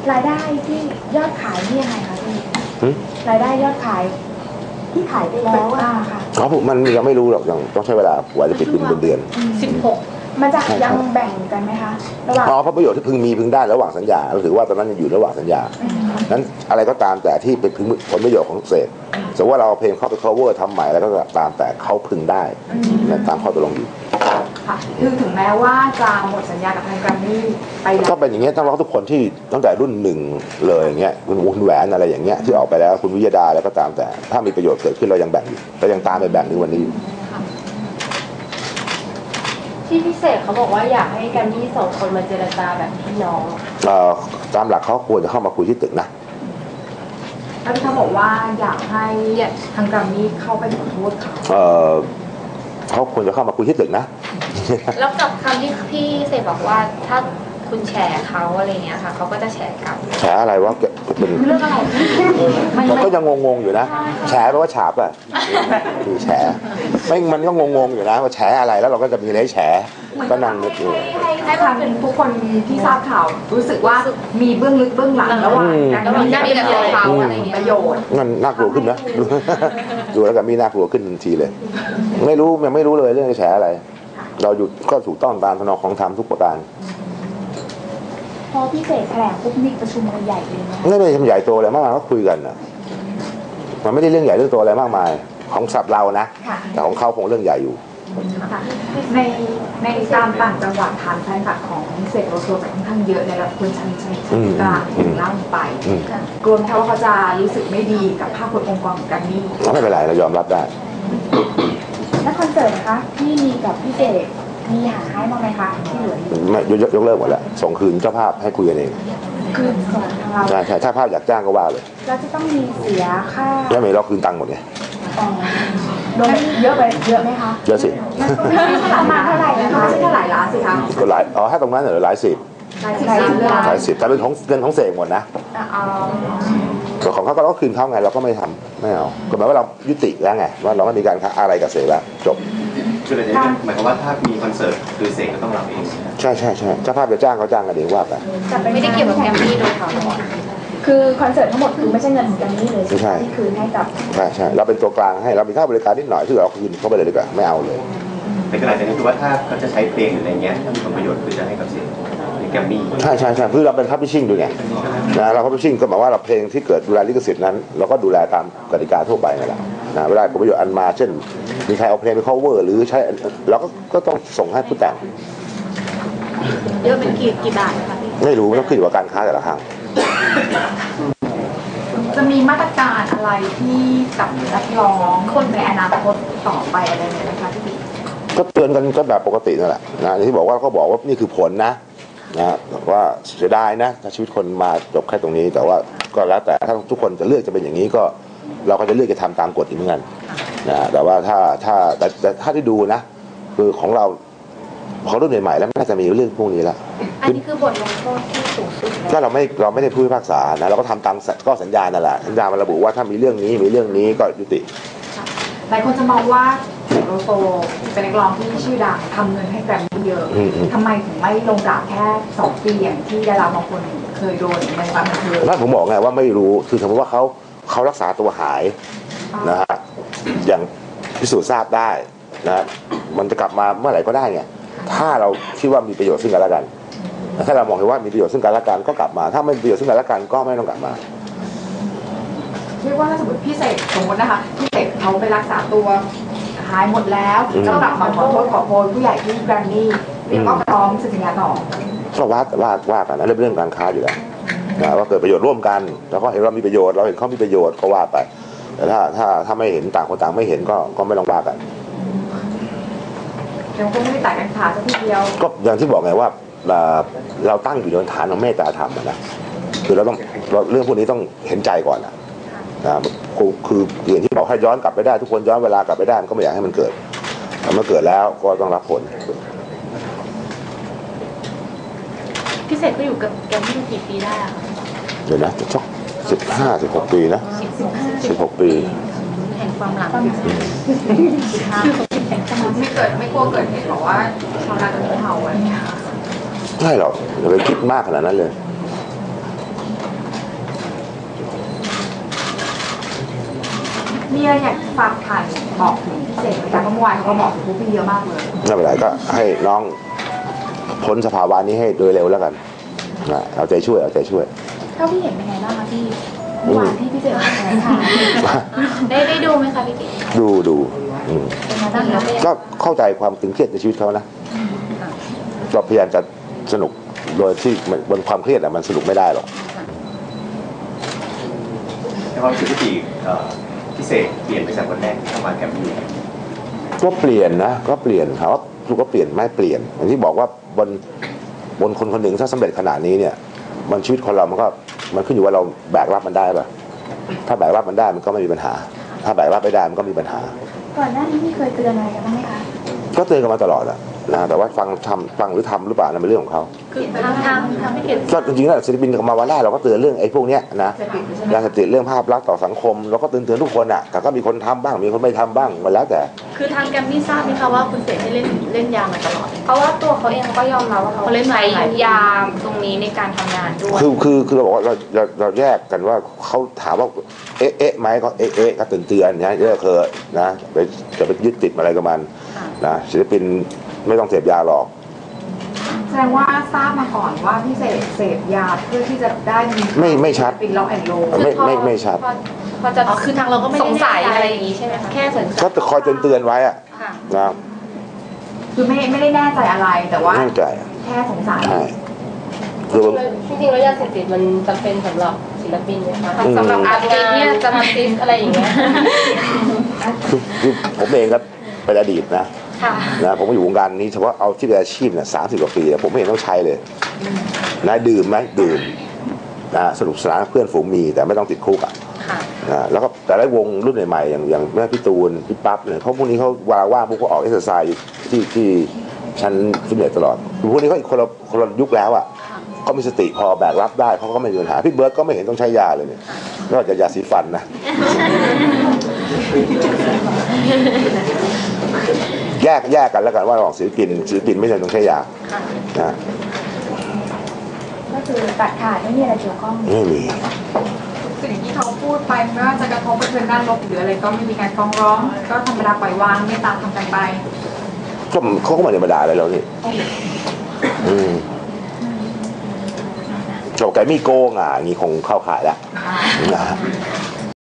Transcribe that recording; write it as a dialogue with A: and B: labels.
A: รายได้ที่ยอดขายนี่ยังไงคะพี่รายได้ยอดขายที่ขายไปแล้วค่ะ
B: มันยังไม่รู้หรอกยังต้องใช้เวลากว่าจะปิดเป็นเดือน
A: 16มันจะยังแบ่งกันไหมคะระหว่าง
B: เพราะประโยชน์ที่พึงมีพึงได้ระหว่างสัญญาเราถือว่าตอนนั้นยังอยู่ระหว่างสัญญานั้นอะไรก็ตามแต่ที่เป็นผลประโยชน์ของเศษสมมติว่าเราเพลงเข้าไป cover ทำใหม่แล้วก็ตามแต่เขาพึงได้ตามข้อตกลงอยู่
C: ค่ะคือถึงแม้ว่าจะหมดสัญญากับทางแกรมมี่ไปแล้ว
B: ก็เป็นอย่างเงี้ยต้องร้องทุกคนที่ตั้งแต่รุ่นหนึ่งเลยอย่างเงี้ยคุณแหวนอะไรอย่างเงี้ยที่ออกไปแล้วคุณวิยดาแล้วก็ตามแต่ถ้ามีประโยชน์เกิดขึ้นเรายังแบ่งอยู่เรายังตามไปแบ่งในวันนี้
D: ที่พิเศษเขาบอกว่าอยากให้แกรมมี่ส่งคนมาเจรจาแบบพี่น้อง
B: ตามหลักเขาควรจะเข้ามาคุยที่ตึกนะ
C: แล้วเขาบอกว่าอยากให้ทางแกรมมี่เข้าไปขอโทษ
B: เขาควรจะเข้ามาคุยที่ตึกนะ
D: แล้วกับคำที่พี่เสกบอกว่าถ้าคุณแฉเขาอะไรเงี้ยค่ะเขาก็จะแฉกลับ
B: แฉอะไรวะเป็น
C: เรื่องอะไร
B: มันก็ยังงงๆอยู่นะแฉแปลว่าฉาบอ่ะคือแฉมันก็งงๆอยู่นะว่าแฉอะไรแล้วเราก็จะมีอะไรแฉก็นั่งนึกอยู่
C: ให้ทางทุกคนที่ทราบข่าวรู้สึกว่ามีเบื้องลึกเบื้องหลังระหว่างการมีกับเขาอะไรประโยชน์
B: มันน่ากลัวขึ้นนะดูแล้วกับมีน่ากลัวขึ้นทันทีเลยไม่รู้ยังไม่รู้เลยเรื่องแฉอะไรเราอยู่ก็ถูกต้องตามธนของธรรมทุกประการ
A: พอพี่เสกแถลงปุ๊บมีประชุมกันใหญ่เลยนะ
B: ไม่ได้ทำใหญ่โตอะไรมากมายก็คุยกันนะมันไม่ได้เรื่องใหญ่เรื่องโตอะไรมากมายของสับเรานะแต่ของเขาคงเรื่องใหญ่อยู่
C: ในตามต่างจังหวัดฐานแฟนคลับของเสกโลโซจะค่อนข้างเยอะในระดับคนชั้นกลางถึงล่างไปกลัวไหมว่าเขาจะรู้สึกไม่ดีกับภาพพจน์องค์กรของกันนี่
B: ไม่เป็นไรเรายอมรับได้
A: แล้วคอนเสิร์ตนะคะที่มีกับพี่เสกมีหาให้บ้างไหมคะที่เหลือ
B: ไม่ยกเลิกหมดแล้วส่งคืนเจ้าภาพให้คุยกันเอง
A: คือส่วนทางเรา
B: ใช่ถ้าภาพอยากจ้างก็ว่าเลย
A: แล้วจะต้องมีเสียค่า
B: แล้วไม่เราคืนตังค์หมดไง
A: โดนเยอะไปเยอะไหมคะ
B: เยอะสิ
A: ประมาณเท่าไหร่นะคะ
C: ไม่ใช่เท่าไหร่ล้านสิคะ
B: ก็หลายถ้าตรงนั้นเหรอหลายสิบแต่เป็นของเงินของเสกหมดนะส่วนของเขาก็คืนเขาไงเราก็ไม่ทำไม่เอาก็หมายว่าเรายุติแล้วไงว่าเราไม่มีการอะไรกับเสกแล้วจบ
E: คืออะไรเนี่ยหมายความว่าถ้ามีคอนเสิร์ตคือเสกก็ต้องรับเอง
B: ใช่เจ้าภาพจะจ้างเขาจ้างกันเองว่าไป
D: ไม่ได้เกี่ยวกับแกรมมี่โดยเขา
A: คือคอนเสิร์ตทั้งหมดคือไม่ใช่เงินของแกรมมี่เลยที่คืนให้กับ
B: ใช่เราเป็นตัวกลางให้เรามีค่าบริการนิดหน่อยที่เราคืนเข้าไปเลยดีกว่าไม่เอาเลย
E: ในขณะนี้คือว่าถ้าเขาจะใช้เพลงหรืออะไรเงี้ยถ้ามีผลประโยชน์คือจะให้กับเสกแกรมมี่
B: ใช่คือเราเป็นพับลิชชิ่งด้วยไงนะเราพับลิชชิ่งก็หมายว่าเราเพลงที่เกิดดูแลลิขสิทธิ์นั้นเราก็ดูแลตามกติกาทั่วไปนั่นแหละนะเวลาผลประโยชน์อันมาเช่นมีใครเอาเพลงไป cover หรือใช้เราก็ต้องส่งให้ผู้แต่ง
D: เยอะเป็นกี่บาทคะพี่
B: ไม่รู้ต้องขึ้นอยู่กับการค้าแต่ละครั้ง
C: จะมีมาตรการอะไรที่กับนักร้องคนในอนาคตต่อไปอะไรไหมคะพี่
B: ก็เตือนกันก็แบบปกตินั่นแหละนะที่บอกว่าเขาบอกว่านี่คือผลนะว่าเสียดายนะถ้าชีวิตคนมาจบแค่ตรงนี้แต่ว่าก็แล้วแต่ถ้าทุกคนจะเลือกจะเป็นอย่างนี้ก็เราก็จะเลือกจะทำตามกฎอีกเหมือนกันนะแต่ว่าแต่ถ้าที่ดูนะคือของเราพอรุ่นใหม่ๆแล้วน่าจะมีเรื่องพวกนี้แล้ว
D: อันนี้คือบทลงโทษที่สูงสุด
B: ก็เราไม่ได้ผู้พิพากษานะเราก็ทำตามก็สัญญานั่นแหละสัญญามันระบุว่าถ้ามีเรื่องนี้ก็ยุติ
C: หลายคนจะมองว่าเสกโลโซเป็นนักร้องที่ชื่อดังทำเงินให้แกรมมี่เยอะทำไมถึงไม่ลงดาบแค่2 ปีอย่างที่ดาราบางคนเคยโดนในความบันเทิง
B: นั่นผมบอกไงว่าไม่รู้คือสมมติว่าเขารักษาตัวหายนะฮะอย่างพิสูจน์ทราบได้นะมันจะกลับมาเมื่อไหร่ก็ได้ไงถ้าเราคิดว่ามีประโยชน์ซึ่งกันและกันถ้าเรามองเห็นว่ามีประโยชน์ซึ่งกันและกันก็กลับมาถ้าไม่มีประโยชน์ซึ่งกันและกันก็ไม่ต้องกลับมา
C: เรียกว่าถ้าสมมติพี่เสกสมมตินะคะพี่เสกเขาไปรักษาตัวหายหมดแล้วก็กลับมาขอโทษขอโพยผู้ใหญ่ที่แกรมมี่แล้วก็พร้อมสัญญาต่อ
B: ก็ว่ากันนะเรื่องการค้าอยู่แล้วนะว่าเกิดประโยชน์ร่วมกันแล้วก็เห็นเรามีประโยชน์เราเห็นเขามีประโยชน์ก็ว่าไปแต่ถ้าไม่เห็นต่างคนต่างไม่เห็นก็ไม่ต้องว่ากัน
C: ยังคงไม่ได้ตัดกันขาดสักทีเดียว
B: ก็อย่างที่บอกไงว่าเราตั้งอยู่บนฐานของเมตตาธรรมนะคือเราต้องเรื่องพวกนี้ต้องเห็นใจก่อนนะคืออย่างที่บอกให้ย้อนกลับไปได้ทุกคนย้อนเวลากลับไปได้มันก็ไม่อยากให้มันเกิดแต่เมื่อเกิดแล้วก็ต้องรับผล
D: พี่เสกก็อยู่กับแกมมี่กี่ปีได้อะ
B: เดี๋ยวนะสัก15-16 ปีนะ16 ปี
D: แห่งความหลัง
C: ไม่กลัวเกิดเหตุบอกว่าชาวนาจะมีเห่าอะไรเงี้ย
B: ไม่หรอกอย่าไปคิดมากขนาดนั้นเลย
C: มีอะไรอยากฝากผ่านบอกถึงพี่เสกไหมคะเพราะเมื่อวานเขาก็บอกถึงพวกพี่เยอะมากเลย
B: ไม่เป็นไรก็ให้น้องพ้นสภาวะนี้ให้โดยเร็วแล้วกันนะเอาใจช่วยเอาใจช่วย
A: เท่าที่เห็นเป็นไงบ้างคะพี่เมื่อวานที่พี่เสกแถลงข่าว
D: ได้ดูไหมคะพี่กิ๊ก
B: ดู
A: เป็นไงบ้างคะ
B: ก็เข้าใจความตึงเครียดในชีวิตเขานะก็พยายามจะสนุกโดยที่บนความเครียดมันสนุกไม่ได้หรอก
E: ในความรู้สึกที่พิเศษเปลี่ยนไปจากวันแรกที่เข้ามาแกรมมี่
B: ก็เปลี่ยนนะก็เปลี่ยนถามว่าลูกก็เปลี่ยนไม่เปลี่ยนอย่างที่บอกว่าบนคนคนหนึ่งถ้าสำเร็จขนาดนี้เนี่ยมันชีวิตคนเรามันขึ้นอยู่ว่าเราแบกรับมันได้ป่ะถ้าแบกรับมันได้มันก็ไม่มีปัญหา ถ้าแบกรับไม่ได้มันก็มีปัญหา
A: ก่อนหน้านี้พี่เคยเตือนอะไรกันบ้างไหมคะ
B: ก็เตือนกันมาตลอดอะนะแต่ว่าฟังหรือทำหรือเปล่านั่นเป็นเรื่องของเขา
D: คือทางพี่กิ๊ก
B: ก็จริงๆแล้วศิลปินมาวันแรกเราก็เตือนเรื่องไอ้พวกเนี้ยนะยาเสพติดเรื่องภาพลักษณ์ต่อสังคมเราก็เตือนทุกคนอะแต่ก็มีคนทำบ้างมีคนไม่ทำบ้างมันแล้วแต่
F: คือทางแกรมมี่ทราบไหมคะว่าคุณเสกได้เล่นยามาตลอด
D: เพราะว่าตัวเขาเองก็ยอมรับว่าเขา
F: เขาเล่นมา
D: ใช้
F: หลายปี
D: ยาตรงนี้ในการทำงานด้วย
B: คือเราบอกว่าเราแยกกันว่าเขาถามว่าเอ๊ะไหมก็เอ๊ะก็เตือนนะเลิกเถอะนะจะไปยึดติดอะไรกับมันนะศิลปินไม่ต้องเสพยาหรอก
C: แสดงว่าทราบมาก่อนว่าพี่เสกเสพยาเพื่อที่จะได้มี
B: ไม่ชัด
C: เป็นล็อกแอนด์โล
B: ไม่ชัด
D: พอจะ
F: อ๋อคือทางเราก็ไม่
D: ส
F: ได้
D: งสัยอะไรอย่างนี้ใช่ไหมคะ
F: แค่สงสัย
B: ก็จะคอยเตือนไว้อะ
D: ค่ะ
B: นะ
C: คือไม่ได้แน่ใจอะไรแต่ว่า
B: แน่ใจ
C: แค่สงสัย
B: ใช่คือ
G: จริงๆแล้วยาเสพติดมันจำเป็นสำหรับศิลปินไหมคะ
D: สำหรับอาร์ติสต์เนี่ยจะมา
G: ติสอะไรอย่างเงี้ย
B: คือผมเองก็เป็นอดีตนะ
D: ค่ะ
B: นะผมก็อยู่วงการนี้เฉพาะเอาที่เป็นอาชีพเนี่ย30 กว่าปีเนี่ยผมไม่เห็นต้องใช้เลยนะดื่มไหมดื่มนะสนุกสนานเพื่อนฝูงมีแต่ไม่ต้องติดคุกอ่ะ
D: ค่ะ
B: นะแล้วก็แต่ละวงรุ่นใหม่ๆอย่างแม่พี่ตูนพี่ปั๊บเนี่ยเขาพวกนี้เขาว่างพวกเขาออกเอ็กซ์ไซส์ที่ชั้นฟิตเนสตลอดพวกนี้เขาอีกคนละยุคแล้วอ่ะเขามีสติพอแบกรับได้เขาก็ไม่มีปัญหาพี่เบิร์ดก็ไม่เห็นต้องใช้ยาเลยเนี่ยนอกจากยาสีฟันนะ แยกกันแล้วกันว่าระหว่างศิลปินไม่จำเป็นต้องใช้ยานะ
A: ก็คือตัดขาดไม่มีอะไรเกี่ยวข้อง
B: ไม่มี
C: สิ่งที่เขาพูดไปไม่ว่าจะกระทบกระเทือนด้านลบหรืออะไรก็ไม่มีการฟ้องร้อง ก็ธรรมดาปล่อยวางไม่ตามทำกันไป
B: ก็เขาก็ไม่ธรรมดาอะไรแล้วนี่จบไก่มีโกงอ่ะอย่างนี้คงเข้าขายแล้วนะ